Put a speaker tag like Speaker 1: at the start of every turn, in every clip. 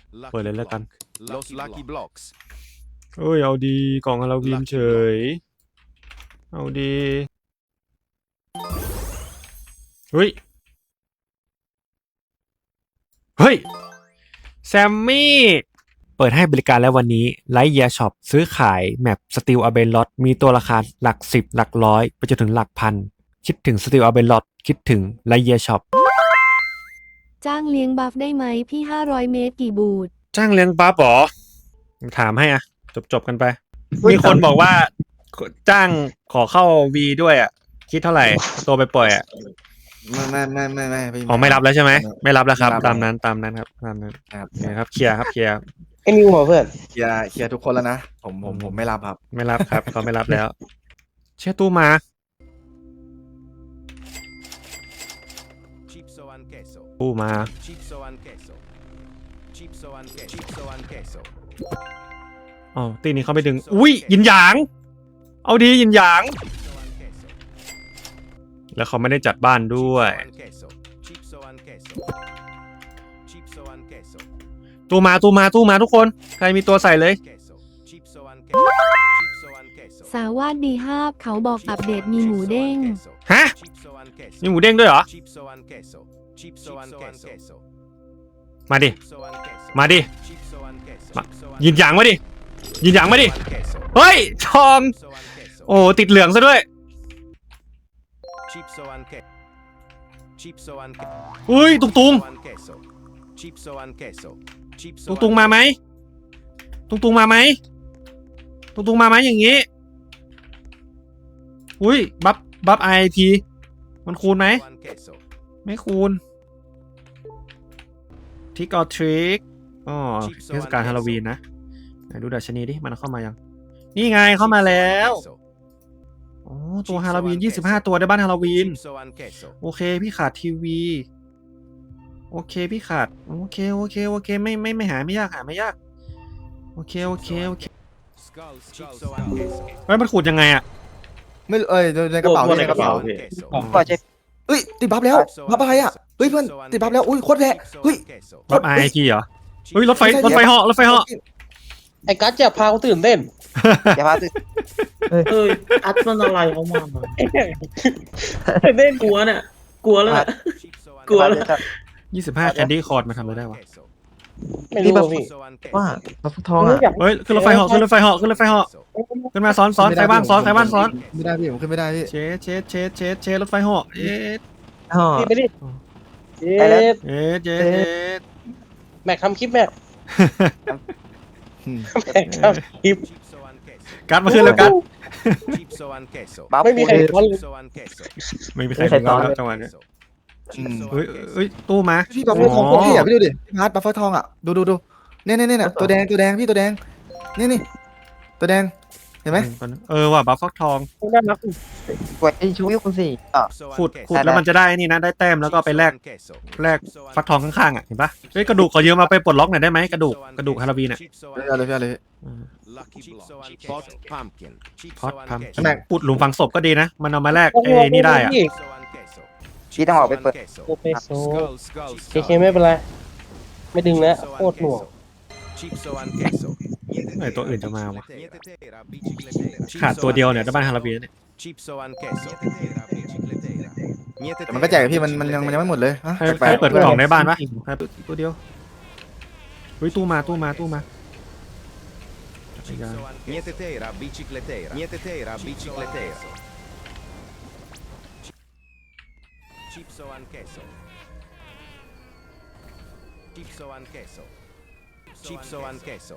Speaker 1: เปิดเลยแล้วกัน
Speaker 2: Los Lucky Blocks
Speaker 1: เอ้ยเอาดีกล่องฮาโลวีนเฉยเอาดีเฮ้ยแซมมี่เปิดให้บริการแล้ววันนี้ไลท์เยียร์ช็อปซื้อขายแมปสตีลอาเบนลอตมีตัวราคาหลักสิบหลักร้อยไปจนถึงหลักพันคิดถึงสตีลอาเบนลอตคิดถึงไลท์เยียร์ช็อป
Speaker 3: จ้างเลี้ยงบัฟได้ไหมพี่500 เมตรกี่บูท
Speaker 1: จ้างเลี้ยงปั๊บหรอถามให้อ่ะจบกันไป มีคนบอกว่าจ้างขอเข้าวีด้วยอ่ะคิดเท่าไหร่ตัวไปปล่อยอ่ะ
Speaker 4: ไม่
Speaker 1: อ๋อไม่รับแล้วใช่ไหมไม่รับแล้วครับ
Speaker 4: ไม่รับ
Speaker 1: ตามนั้นครับตามนั้น
Speaker 4: ครับ
Speaker 1: โอเคครับเคลียร์ครับเคลียร์
Speaker 5: ไอ้นิวเหรอเพื่อน
Speaker 4: เคลียร์ทุกคนแล้วนะผมไม่รับครับ
Speaker 1: ไม่รับครับ เขาไม่รับแล้ว เชื่อตู้มา
Speaker 2: Chipso and queso
Speaker 1: ตู้มา
Speaker 2: Chipso and queso Chipso and queso Chipso and queso
Speaker 1: อ๋อตีนี้เขาไม่ดึงอุ้ยยินหยาง เอาดียินหยาง
Speaker 2: Chipso and queso
Speaker 1: แล้วเขาไม่ได้จัดบ้านด้วย
Speaker 2: Chipso and queso Chipso and queso
Speaker 1: ตู้มาทุกคนใครมีตัวใส่เลย
Speaker 2: queso Chipso and queso Chipso and queso
Speaker 3: สาวาดดีห้าบเขาบอกอัปเดตมีหมูเด้ง
Speaker 1: ฮะ
Speaker 2: Chipso and queso
Speaker 1: มีหมูเด้งด้วยเหรอ
Speaker 2: Chipso and queso Chipso and queso
Speaker 1: มาดิ
Speaker 2: Chipso and queso
Speaker 1: มาดิ
Speaker 2: Chipso and queso
Speaker 1: มายินหยางมาดิยินหยางมาดิ เฮ้ยทอง
Speaker 2: Chipso and queso
Speaker 1: โอ้ติดเหลืองซะด้วย
Speaker 2: Chipso and queso Chipso and queso
Speaker 1: อุ้ยตุง
Speaker 2: Chipso and queso Chipso
Speaker 1: ตุงมาไหมตุงมาไหมอย่างงี้อุ้ยบัฟไอทีมันคูณไหมไม่คูณทิกออทริกอ๋อเทศกาลฮาโลวีนนะไหนดูดัชนีดิมันเข้ามายังนี่ไงเข้ามาแล้วอ๋อตัวฮาโลวีน25ตัวได้บ้านฮาโลวีนโอเคพี่ขาดทีวีโอเคพี่ขาดโอเคไม่หาไม่ยากโอเคเฮ้ยมันขูดยังไงอะ
Speaker 4: ไม่ในกระเป๋าในกระเป๋า
Speaker 5: ก็ใช่
Speaker 4: เฮ้ยติดบัฟแล้วบัฟอะไรอ่ะเฮ้ยเพื่อนติดบัฟแล้วอุ้ยโคตรแรงเฮ้ย
Speaker 1: บัฟไอทีเหรอเฮ้ยรถไฟเหาะ
Speaker 5: ไอ้กัสจะพาเขาตื่นเต้น
Speaker 4: อย่าพาตื่น
Speaker 6: อัดมันอะไรเขามาตื่นเต้นกลัวเนี่ยกลัวแล้วน่ะกลัวแล้ว
Speaker 1: 25แคนดี้คอร์ดมาทำอะไรได้วะ
Speaker 5: ไม่รู้พี่
Speaker 6: ว่าบัฟทองอ่ะ
Speaker 1: เฮ้ยขึ้นรถไฟเหาะขึ้นมาซ้อนใครบ้างซ้อน
Speaker 4: ไม่ได้พี่ผมขึ้นไม่ได้พี่
Speaker 1: เชรถไฟเหาะเอ๊ะ
Speaker 6: อ๋อ
Speaker 5: พี่ไปดิ
Speaker 1: เจ๊
Speaker 5: แม็กทำคลิปแม็กทำคลิป
Speaker 1: กัดมาขึ้นแล้วกัด
Speaker 5: ไม่มีใครซ้อนเลย
Speaker 1: ไม่มีใครซ้อนจังหวะนี้เฮ้ยตู้มา
Speaker 4: พี่บัฟเฟอร์ทองโคตรพี่อ่ะพี่ดูดิพี่มาร์ทบัฟเฟอร์ทองอ่ะดูเนี่ยตัวแดงพี่ตัวแดงนี่ตัวแดงเห็นไหม
Speaker 1: ว่ะบัฟฟักทอง
Speaker 5: น่ารัก
Speaker 6: กดไอ้ชูยคุณสิ
Speaker 1: ขุดแล้วมันจะได้นี่นะได้แต้มแล้วก็ไปแลกฟักทองข้างๆอ่ะเห็นปะเฮ้ยกระดูกขอยืมมาไปปลดล็อกหน่อยได้ไหมกระดูกฮาโลวีนอ่ะ
Speaker 4: เอาเลย
Speaker 1: พอดพัมปุดหลุมฝังศพก็ดีนะมันเอามาแลกเอ้นี่ได้อ่ะ
Speaker 6: พี่ต้องออกไปเปิด
Speaker 5: โอเปโซเคไม่เป็นไรไม่ดึงแล้วโคตรหน่วง
Speaker 1: ไอตัวอื่นจะมาวะขาดตัวเดียวเนี่ยได้บ้านฮาโลวีนเนี่ย
Speaker 4: แต่มันก็แจกพี่มันยังไม่หมดเลยฮะ
Speaker 1: ใครเปิดกล่องในบ้านปะตัวเดียวเฮ้ยตู้มา
Speaker 2: Niente tera, bicicletera. Niente tera, bicicletera. Chipso and queso. Chipso and queso. Chipso and queso.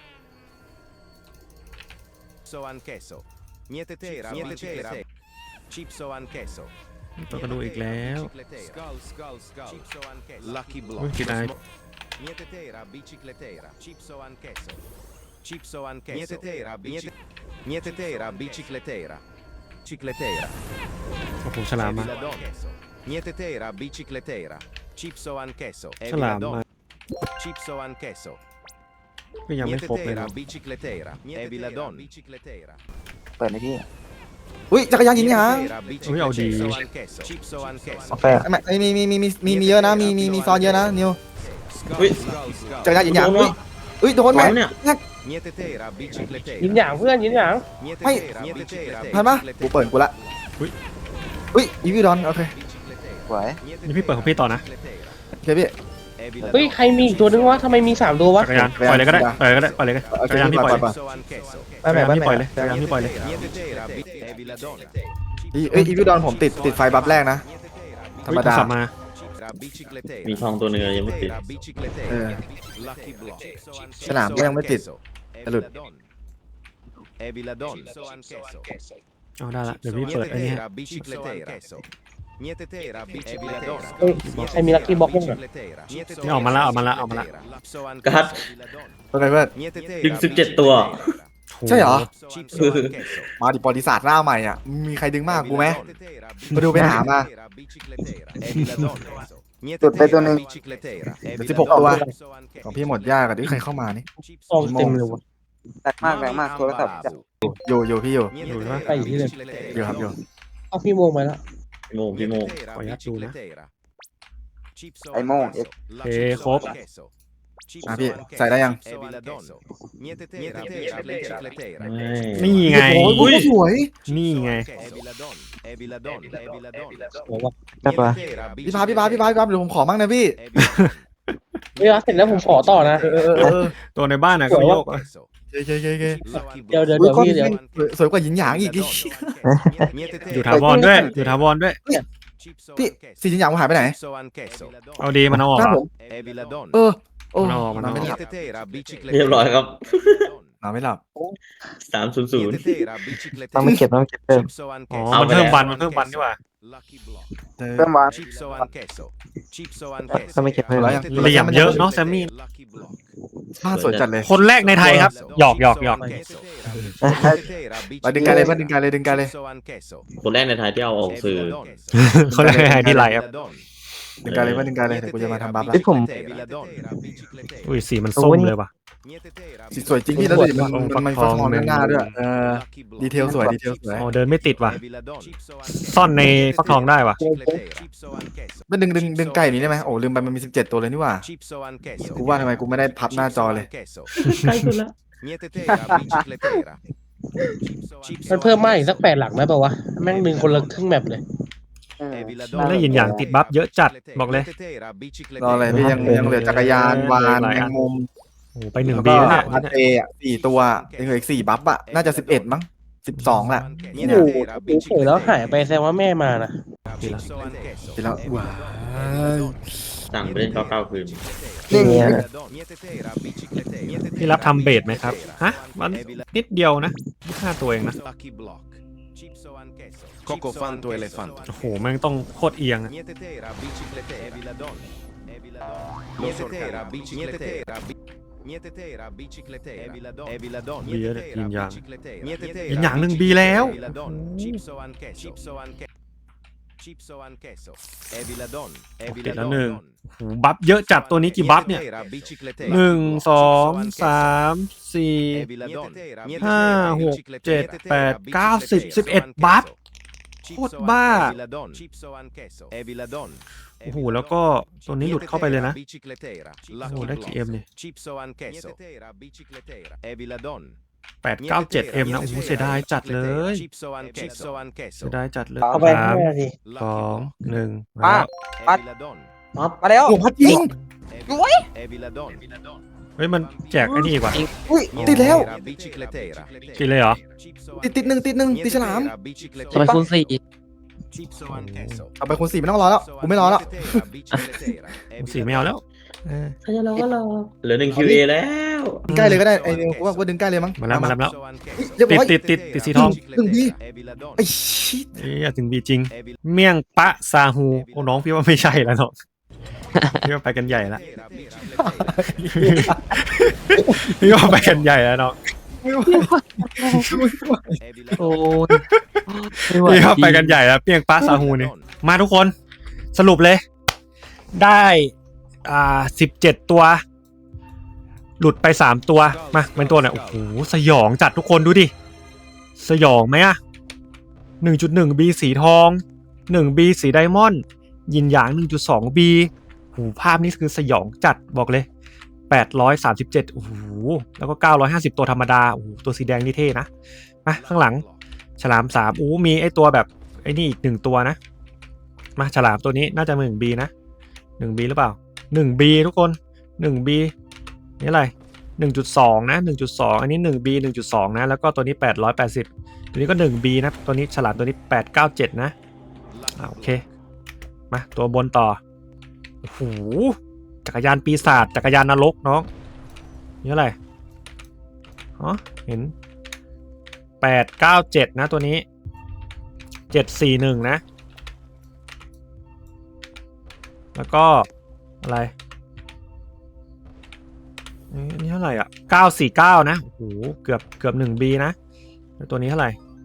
Speaker 2: Chipso and queso. Niente tera, niente tera. Chipso and queso.
Speaker 1: ตัวกระดูกอีกแล้ว
Speaker 2: Skull. Chipso and queso. Lucky
Speaker 1: อุ้ย
Speaker 2: block.
Speaker 1: กินไอ
Speaker 2: Niente tera, bicicletera. Chipso and queso. Chipso and queso. Niente tera, bicicletera. Cicletera.
Speaker 1: โอ้โหฉลามมา
Speaker 2: Niente tera, bicicletera. Chipso and queso.
Speaker 1: ฉลามมา
Speaker 2: Chipso and queso.
Speaker 1: ก็ยังไม่
Speaker 2: Niente
Speaker 1: ครบเลย
Speaker 2: tera,
Speaker 1: นะ
Speaker 2: bicicletera. Evi la donna. Bicicletera.
Speaker 6: เปิดในพี่
Speaker 4: อุ้ยจักรยานยิงหยาง
Speaker 1: อุ้ยเอาดี
Speaker 2: Chipso and queso.
Speaker 6: กาแฟ
Speaker 4: มีเยอะนะมีซอนเยอะนะนิว
Speaker 6: อุ้ย
Speaker 4: เจอหน้ายิงหยาง
Speaker 6: โดน
Speaker 4: อุ้ยโดนไหม
Speaker 6: เนี่ย
Speaker 2: Niente tera, bicicletera.
Speaker 5: ยินอย่างเพื่อนยินอย่าง
Speaker 2: Niente
Speaker 4: Ai.
Speaker 2: tera, bicicletera.
Speaker 4: ทันปะกูเปิดกูละอุ้ยอีวิวดอนโอเค
Speaker 7: สวย
Speaker 1: นี่พี่เปิดของพี่ต่อนะ
Speaker 4: โอเคพี่
Speaker 5: เฮ้ยใครมีอีกตัวนึงวะทำไมมี3ตัววะ
Speaker 1: จักรยานปล่อยเลยก็ได้ปล่อยเลยก็ได้ปล่อยเลยก็ได้
Speaker 4: โอเค
Speaker 1: จักรยานพี่ปล่อยเลย
Speaker 4: ไปไหนไป
Speaker 1: พี่
Speaker 4: ไหน
Speaker 1: ปล่อยเลยจักรยานพี่ปล่อยเลย
Speaker 2: Niente tera, evi la donna.
Speaker 4: อีวิวดอนผมติดไฟบัฟแรกนะ ธรรมดา
Speaker 1: สับมา
Speaker 2: Bicicletera.
Speaker 6: มีทองตัวหนึ่งยังไม่ติด
Speaker 2: Bicicletera.
Speaker 4: Eh.
Speaker 2: Lucky block.
Speaker 4: สนามก็ยังไม่ติด
Speaker 2: Evi la donna. Evi la donna.
Speaker 1: เอาได้ละเดี๋ยวพี่เปิดไอ้นี่ให้
Speaker 2: Bicicletera. Niente tera, bicicletera.
Speaker 5: เฮ้ยใครมีลัคกี้บ็อกบ้างอะ
Speaker 1: นี่ออกมาละออกมาละออกมาละ
Speaker 6: กัด
Speaker 4: โอเคเพื่อน
Speaker 6: ถึง17 ตัว
Speaker 4: ใช่เหรอ
Speaker 2: Chipso anch'esso.
Speaker 4: มาดิประวัติศาสตร์หน้าใหม่อ่ะมีใครดึงมากกูไหม มาดูไปหามา
Speaker 7: จุดไปตัวหนึ่ง
Speaker 4: เดี๋ยว16ตัว ของพี่หมดยากอ่ะที่ใครเข้ามานี่
Speaker 5: ทองเต็มเลยวะ
Speaker 7: แรงมากโทรศัพท์จะ
Speaker 4: อยู่พี่อยู่
Speaker 5: ไปอยู่ที่เดิม
Speaker 4: อยู่ครับอยู่
Speaker 5: เอาพี่โมงไปแล้ว
Speaker 6: พี่โมง
Speaker 1: ขออนุญาตดูนะ
Speaker 7: ไอ้โม่ง
Speaker 1: โอเคครบ
Speaker 4: อ่ะพี่ใส่ได้ยัง
Speaker 1: นี่ไง
Speaker 4: โอ้ยสวย
Speaker 1: นี่ไง
Speaker 5: หัววะ
Speaker 7: ได้ปะ
Speaker 4: พี่พาเดี๋ยวผมขอมั่งนะพี่
Speaker 5: เวลาเสร็จแล้วผมขอต่อนะ
Speaker 4: เออ
Speaker 1: ตัวในบ้านน่ะก็โยกอะ
Speaker 4: เย้
Speaker 5: เดี๋ยว
Speaker 4: อุ้ยก้อน
Speaker 5: พี่เดี๋ยว
Speaker 4: สวยกว่าหยินหยางอีกดิ
Speaker 1: อยู่ถาวรด้วยอยู่ถาวรด้วย
Speaker 4: พี่สีหยินหยางมันหายไปไหน
Speaker 1: เอาดีมันเอาออก
Speaker 4: หน้า
Speaker 1: เหร
Speaker 4: ผ
Speaker 1: อ
Speaker 4: มเออโอ้
Speaker 1: มันเอาออกมันเอาออก
Speaker 4: ไม่หลับ
Speaker 6: เรียบร้อยครับ
Speaker 4: นอนไม่หลับ
Speaker 6: 300
Speaker 7: ต้องไม่เก็บเพิ่ม
Speaker 1: อ๋อ
Speaker 6: เอา
Speaker 1: มัน
Speaker 6: ไป
Speaker 1: เพิ่ม
Speaker 6: แล้ว
Speaker 1: วันมันเพิ่มวันดีกว่า
Speaker 4: เออ
Speaker 7: เพิ่มวาง
Speaker 2: ต้องไม่เก็บเพิ่ม
Speaker 4: แล้วยัง
Speaker 1: เหลี่ยมเยอะเนาะแซมมี่
Speaker 4: บ้านสวยจัดเลย
Speaker 1: คนแรกในไทยครับหยอก
Speaker 4: ไปดึงกันเลยดึงกันเลย
Speaker 6: คนแรกในไทยที่เอาออกสื่อ
Speaker 1: คนแรกในไทยที่ไลฟ์ครับ
Speaker 4: ดึงกันเลยเดี๋ยวกูจะมาทำบัฟแล้ว
Speaker 7: ที่ผม
Speaker 1: อุ้ยสีมันส้มเลยว่ะ
Speaker 4: สีสวยจริงพี่แล้วดิมันฟักทองด้านหน้าด้วยดีเทลสวย
Speaker 1: อ๋อเดินไม่ติดว่ะซ่อนในฟักทองได้ว่ะ
Speaker 4: มันดึงไก่นี้ได้ไหมโอ้ลืมไปมันมี17ตัวเลยนี่หว่ากูว่าทำไมกูไม่ได้พับหน้าจอเลย
Speaker 5: ใกล้สุดละมันเพิ่มมากอีกสัก8 หลักได้ป่าวะแม่งดึงคนละครึ่งแมปเลย
Speaker 1: แล้วยินอย่างติดบัฟเยอะจัดบอกเลย
Speaker 4: รออะไรพี่ยังเหลือจักรยานวานแมงมุม
Speaker 1: โอ้ไป1
Speaker 4: แล้ว
Speaker 1: บี
Speaker 4: ก็
Speaker 1: แล้ว
Speaker 4: พัด
Speaker 1: เนี่ย
Speaker 4: เออ่ะ4ตัวยังเหลืออีก4บัฟอ่ะน่าจะ11มั้ง12แหละ
Speaker 5: โอ้โหเฉยแล้วหายไปแสดงว่าแม่มานะ
Speaker 4: ทีแล้วว้าว
Speaker 6: สั่งไปเล่น99 คืน
Speaker 7: นี่ไง
Speaker 1: พี่รับทำเบสไหมครับฮะมันนิดเดียวนะ25ตัวเองนะ
Speaker 2: Coco fanto elefanto.
Speaker 1: โอ้โหแม่งต้องโคตรเอียงอะ
Speaker 2: Niente tera, bicicletera. Evi la donna. Evi la donna. Niente tera, bicicletera. Niente tera, bicicletera. Evi la donna. Evi la donna.
Speaker 1: Via
Speaker 2: Niente tera,
Speaker 1: yin yang.
Speaker 2: bicicletera. Niente tera.
Speaker 1: ยินอย่าง1 บีแล้ว
Speaker 2: Evi la donna. Chipso anch'esso. Chipso anche. Chipso anch'esso. Evi la donna. Evi
Speaker 1: ติ
Speaker 2: la
Speaker 1: ดแล้ว
Speaker 2: donna.
Speaker 1: 1โอ้โหบัฟเยอะจัดตัวนี้กี่บัฟเนี่ย
Speaker 2: Niente tera, bicicletera.
Speaker 1: 1 2 3 4
Speaker 2: Evi la donna. Niente
Speaker 1: ห้า
Speaker 2: tera,
Speaker 1: หก
Speaker 2: bicicletera.
Speaker 1: เจ็ด
Speaker 2: Niente
Speaker 1: แป
Speaker 2: tera,
Speaker 1: ดเก้าสิบ
Speaker 2: bicicletera.
Speaker 1: 11 บัฟ
Speaker 2: Chipso
Speaker 1: โคตรบ้า
Speaker 2: Evi la donna. Chipso anch'esso. Evi la donna.
Speaker 1: โอ้โหแล้วก็ตัวนี้หลุดเข้าไปเลยนะ
Speaker 2: โอ้
Speaker 1: โอ้โหได้กี่เอ็มเนี่ย
Speaker 2: Chipso anch'esso. Evi la donna.
Speaker 1: 897 เอ็มนะโอ้โหเสียดายจัดเลย
Speaker 2: Chipso anch'esso.
Speaker 1: เสียดายจัดเลย
Speaker 5: เอาไป
Speaker 1: สาม
Speaker 5: 5 นาที
Speaker 1: 2 1
Speaker 7: ป้า
Speaker 2: Evi la donna.
Speaker 7: มาแล้ว
Speaker 4: โอ้พัดยิง
Speaker 2: Evi la donna.
Speaker 1: เฮ้ยมันแจกไอ้นี่อีกว่ะ
Speaker 4: อุ้ยติดแล้ว
Speaker 2: Bicicletera.
Speaker 1: ติดเลยเหรอ
Speaker 4: ติดหนึ่งติดฉลาม
Speaker 7: ทำไมคุณสี่
Speaker 2: Chipso anch'esso.
Speaker 4: เอาไปคน4ไม่ต้องรอแล้วกูไม่รอแล้ว
Speaker 1: สีไม่เอาแล้วเออ
Speaker 5: ถ้าจะรอก็รอ
Speaker 6: เหลือ1 QA แล้ว
Speaker 4: ดึงใกล้เลยก็ได้ไอ้นิวกูว่าดึงใกล้เลยมั้ง
Speaker 1: มาแล้ว
Speaker 4: เรียบร้อย
Speaker 1: ติดสีทอง
Speaker 4: ไอ้ชิด
Speaker 1: เอ้ยถึงบีจริง เมี่ยงปะซาฮูโอ้น้องพี่ว่าไม่ใช่แล้วเนาะพี่ว่าไปกันใหญ่ละพี่ว่าไปกันใหญ่แล้วเนาะ
Speaker 7: โอ้ยไม่ไหว
Speaker 1: พี่ว่าไปกันใหญ่แล้วเมี่ยงปะซาฮูนี่มาทุกคนสรุปเลย ได้17 ตัว หลุดไป3 ตัวมาเป็นตัวไหนโอ้โหสยองจัดทุกคนดูดิสยองไหมอะ 1.1 B สีทอง1 B สีไดมอนด์ยินหยาง 1.2 B โหภาพนี้คือสยองจัดบอกเลย837โอ้โหแล้วก็950ตัวธรรมดาโอ้โหตัวสีแดงนี่เท่นะมาข้างหลังฉลาม3มีไอตัวแบบไอ้นี่อีก1ตัวนะมาฉลามตัวนี้น่าจะ1B นะ1B หรือเปล่า1B ทุกคน1B นี่อะไร1.2 นะ1.2อันนี้1B 1.2นะแล้วก็ตัวนี้880ตัวนี้ก็1B นะตัวนี้ฉลามตัวนี้897นะโอเคมาตัวบนต่อโอ้โหจักรยานปีศาจจักรยานนรกน้องนี่อะไรอ๋อเห็น897นะตัวนี้741นะแล้วก็อะไรนี่เท่าไหร่อ่ะ949นะโอ้โหเกือบ 1B นะแล้วตัวนี้เท่าไหร่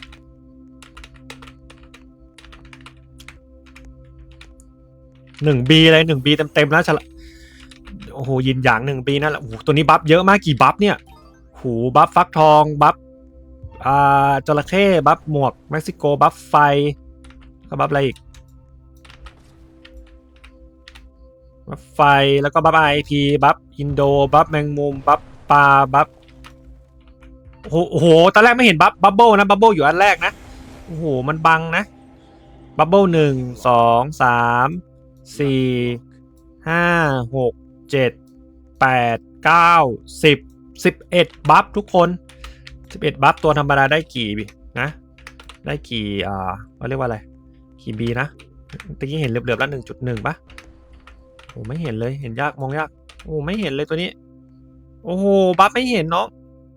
Speaker 1: 1B เลย 1B เต็มๆแล้วโอ้โหยินหยาง 1B นั่นแหละโอ้โหตัวนี้บัฟเยอะมากกี่บัฟเนี่ยโอ้โหบัฟฟักทองบัฟจระเข้บัฟหมวกเม็กซิโกบัฟไฟก็บัฟอะไรอีกบัฟไฟแล้วก็บัฟIPบัฟอินโดบัฟแมงมุมบัฟปลาบัฟโอ้โหตอนแรกไม่เห็นบัฟเบิลนะบัฟเบิลอยู่อันแรกนะโอ้โหมันบังนะบัฟเบิล1 2 3 4 5 6 7 8 9 10 11บัฟทุกคน11บัฟตัวธรรมดาได้กี่นะได้กี่เขาเรียกว่าอะไรกี่บีนะตะกี้เห็นเหลือบๆแล้ว 1.1 ปะโอ้ไม่เห็นเลยเห็นยากมองยากโอ้ไม่เห็นเลยตัวนี้โอ้โหบัฟไม่เห็นเนาะ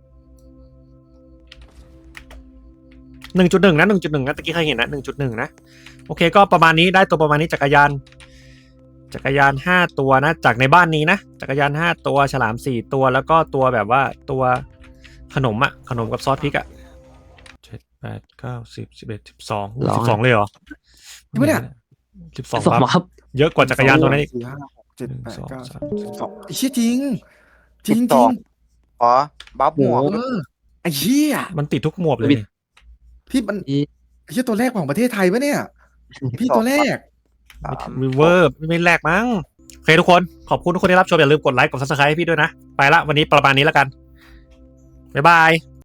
Speaker 1: 1.1 นะ 1.1 นะตะกี้ใครเห็นนะ 1.1 นะโอเคก็ประมาณนี้ได้ตัวประมาณนี้จักรยาน5ตัวนะจากในบ้านนี้นะจักรยาน5ตัวฉลาม4ตัวแล้วก็ตัวแบบว่าตัวขนมกับซอสพริก7 8 9 10 11 12เลยเหรอ
Speaker 4: จริงปะเนี่ย
Speaker 1: 12
Speaker 7: สม
Speaker 1: บัฟ
Speaker 7: ครับ
Speaker 1: เยอะกว่าจักรยานตัวนั้นอีก
Speaker 4: 4 5 6 7 8
Speaker 1: 1 2
Speaker 4: 9
Speaker 1: 3
Speaker 4: 12ไอ้เชี่ยจริงจริง
Speaker 8: อ๋อบัฟหมวก
Speaker 4: ไอ้เชี่ย
Speaker 1: มันติดทุกหมวกเลยนี่
Speaker 4: พี่มันไอ้เชี่ยตัวแรกของประเทศไทยปะเนี่ยพี่ตัวแรก
Speaker 1: มีเวอร์ไม่แลกมั้งโอเคทุกคนขอบคุณทุกคนที่รับชมอย่าลืมกดไลค์กด Subscribe ให้พี่ด้วยนะไปละวันนี้ประมาณนี้แล้วกันบ๊ายบาย